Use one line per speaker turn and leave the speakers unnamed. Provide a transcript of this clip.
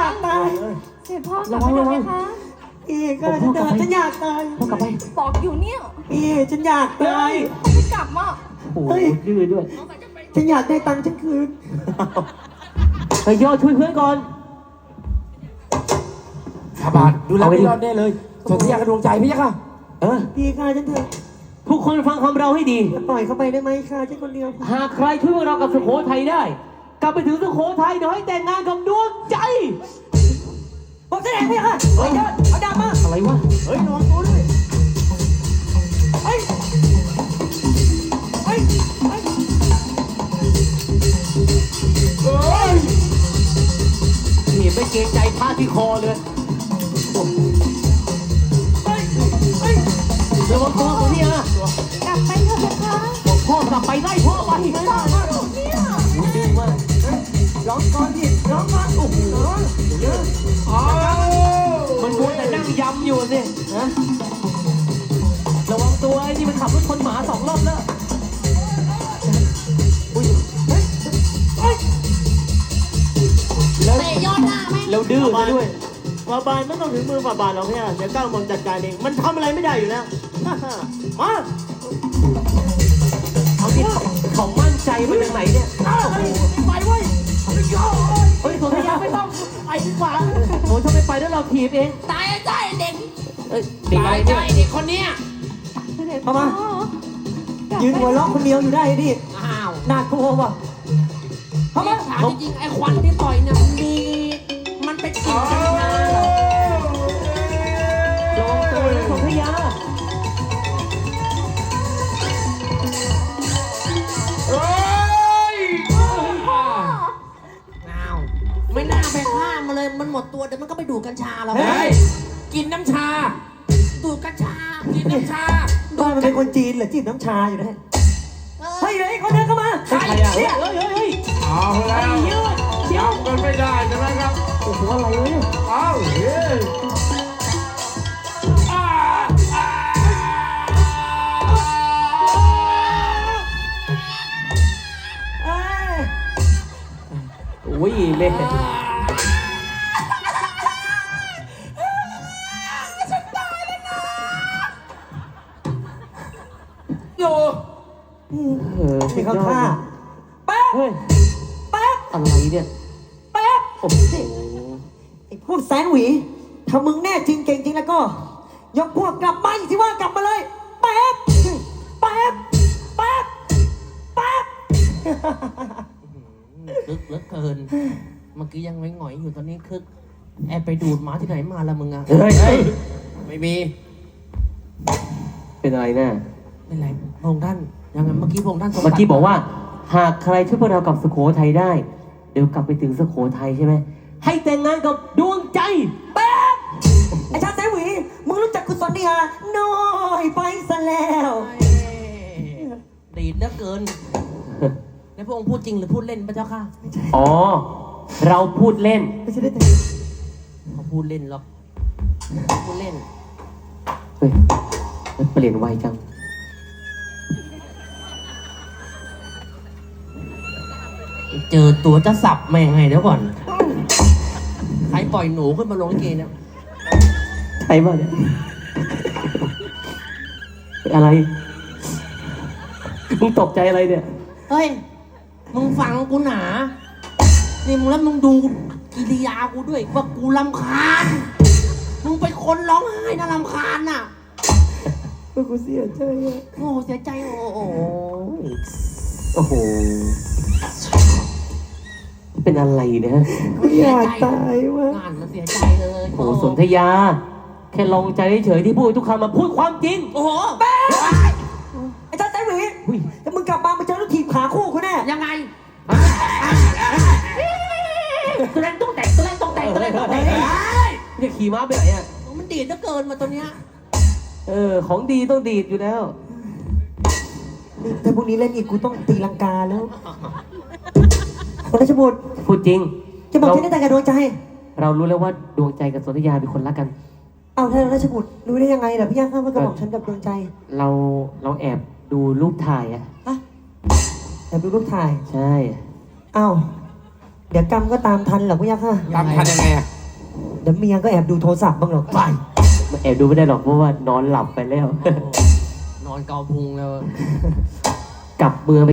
ากตาย
เสด็จพ่อกลับไปเถอะไหมคะ
พี่ก็ฉันอยากตาย
พ่อกลับไป
บอกอยู่เนี่ย
พี่ฉันอยากตาย
ไม่กลับมา
โอ้ยดื้อด้วย
ฉันอยากได้ตังค์ฉันคืน
เฮ้ยย่อช่วยเพื่อนก่อน
ข้าบาทดูแลไม่รอดแน่เลยสนธยากระดวงใจพี่ค่ะ
พี่ฆ่าฉันเถอะ
ทุกคนฟังคำเราให้ดี
ปล่อยเขาไปได้ไหมฆ่าฉันคนเดียว
หากใครช่วยพวกเรากับสุโขทัยได้ กลับไปถึงสุโขทัยเดี๋ยวให้แต่งงานกับดวงใจ
ผมแสดงพี่ค่ะเฮ้ยเอาดาบมา
อะไรวะ
เฮ้ยระวังตัวด้วยเฮ้ยเฮ้ยเฮ้ย
นี่ไม่เกรงใจพระที่คอเลย
เฮ้ยเฮ้ย
ระวังตัวคนนี้นะ
กลับไปเถอะไหมคะ
บอกพ่อกลับไปไล่พ่อไป
บอกอยู่เนี่ย
ดื้อมาก
ร้องก่อนดิร้องก่อนโอ้โหเยอะ
มันมัวแต่นั่งยำอยู่สิฮะระวังตัวไอ้นี่มันขับรถชนหมา2 รอบแล้วอุ้ย
เฮ้ยเฮ้ย
แล้ว
เตะยอดหน้าไหม
แล้วดื้อซะด้วย
ฝ่าบาทไม่ต้องถึงมือฝ่าบาทหรอกเนี่ยเดี๋ยวก้าวมองจัดการเองมันทำอะไรไม่ได้อยู่แล้ว มา
เอาที่เขามั่นใจมาจากไหนเนี่ย
ไปเว้ย
เฮ้ยโสนยาไม่ต้องไปดีกว่าโอ้ยถ้าไม่ไปแล้วเราถีบเอง
ตายใจเด็ก
เอ้ยเด็กอะไร
ใจ
เนี่ย
เด็กคนเนี้ย
เสด็จ
เอา
พ่อ
มายืนหัวเราะคนเดียวอยู่ได้ดิ
อ้าว
น่ากลัวว่ะเข้ามา
ถามจริงๆไอ้ควันที่ปล่อยเนี่ยมันเป็นกลิ่นกัญชาเหรอ
ระวังตัวนะโสนยา
อ้าวไม่น่าไปฆ่ามันเลยมันหมดตัวเดี๋ยวมันก็ไปดูดกัญชาแล้ว
เฮ้ย
กินน้ำชา ดูดกัญชากินน้ำชา
บ้านมันเป็นคนจีนเหรอจีบน้ำชาอยู่นะเฮ้ยเฮ้ยคนเดินเข้ามา
ใครอ่ะเฮ้ยเฮ้ยเฮ้ย
เอาแล้วจับกันไม่ได้ใช่ไหมครับ
โอ้โหอะไรวะเนี่ย
เอาเฮ้ย
เอ้ย
อุ้ยเล่น
อยู่
มีเขาฆ่าแป๊บ
เฮ้ย
แป๊บ
อะไรเนี่ย
แป๊บ
โอ้โห
ไอ้พวกแสนหวีถ้ามึงแน่จริงเก่งจริงแล้วก็ ยกพวกกลับมาอีกที่ว่ากลับมาเลย แป๊บ แป๊บ แป๊บ แป๊บ
คึกเหลือเกิน เมื่อกี้ยังไม่หงอยอยู่ตอนนี้คึกแอบไปดูดหมาที่ไหนมาละมึงอะ
เฮ้ย
ไม่มี
เป็นอะไรแน่
ไม่เป็นไรพระองค์ท่านยังไงเมื่อกี้พระองค์ท่านทรง
เมื่อกี้บอกว่า หากใครช่วยพวกเรากลับสุโขทัยได้ เดี๋ยวกลับไปถึงสุโขทัยใช่ไหมให้แต่งงานกับดวงใจ
แป๊บ ไอ้ชาติแสนหวี มึงรู้จักกุศลดีฮะน้อยไปซะแล้ว
ดีดเหลือเกินแล้วพระองค์พูดจริงหรือพูดเล่นพระเจ้าค่ะ
อ๋อ เราพูดเล่น
ไม่ใช่ได้แต่
เขาพูดเล่นหรอกพูดเล่น
เฮ้ยมันเปลี่ยนไวจัง
เจอตัวจะสับแม่งให้เดี๋ยวก่อน ใครปล่อยหนูขึ้นมาลงลิเกเนี่ย
ใช่ป่ะเนี่ยอะไร มึงตกใจอะไรเนี่ย
เฮ้ย มึงฟังกูหนา นี่มึงแล้วมึงดูกิริยากูด้วยว่ากูรำคาญ มึงเป็นคนร้องไห้น่ารำคาญน่ะ
กูเสียใจอะ
โอ้เสียใจโอ้โห
โอ้โห เป็นอะไรเนี่ย
กูอยากตายว่ะ
งานมันเสียใจเลย
โอ้โหสนธยา แค่ลองใจเฉยๆที่พูดทุกคำมาพูดความจริง
โอ้โห
ไอ้ชาติแสนหวี
อุ้ย
ถ้ามึงกลับมามึงเจอลูกทีมขาคู่กูแน่
ยังไง
ตัวเล่นต้องแต่งตัวเล่นต้องแต่งตัวเล่นต้องแต่ง
เนี่ยขี่ม้าไปไหนอ่ะ
มันดีดเหลือเกินมาตัวเนี้ย
ของดีต้องดีดอยู่แล้ว
นี่ถ้าพวกนี้เล่นอีกกูต้องตีลังกาแล้วคนราชบุตร
พูดจริง
จะบอกฉันได้แต่งกับดวงใจ
เรารู้แล้วว่าดวงใจกับสนธยาเป็นคนรักกัน
เอาท่านราชบุตรรู้ได้ยังไงล่ะพี่ย่าข้าว่ากระบอกฉันกับดวงใจ
เราแอบดูรูปถ่ายอ่ะ
ฮะแต่ดูรูปถ่าย
ใช่
เอ้าเดี๋ยวกรรมก็ตามทันเหรอพี่ย่าข้า
ตามทันยังไงอะ
เดี๋ยวเมียก็แอบดูโทรศัพท์บ้างหรอก
ไป
มันแอบดูไม่ได้หรอกเพราะว่านอนหลับไปแล้ว
นอนเกาพุงแล้ว
กลับเมือง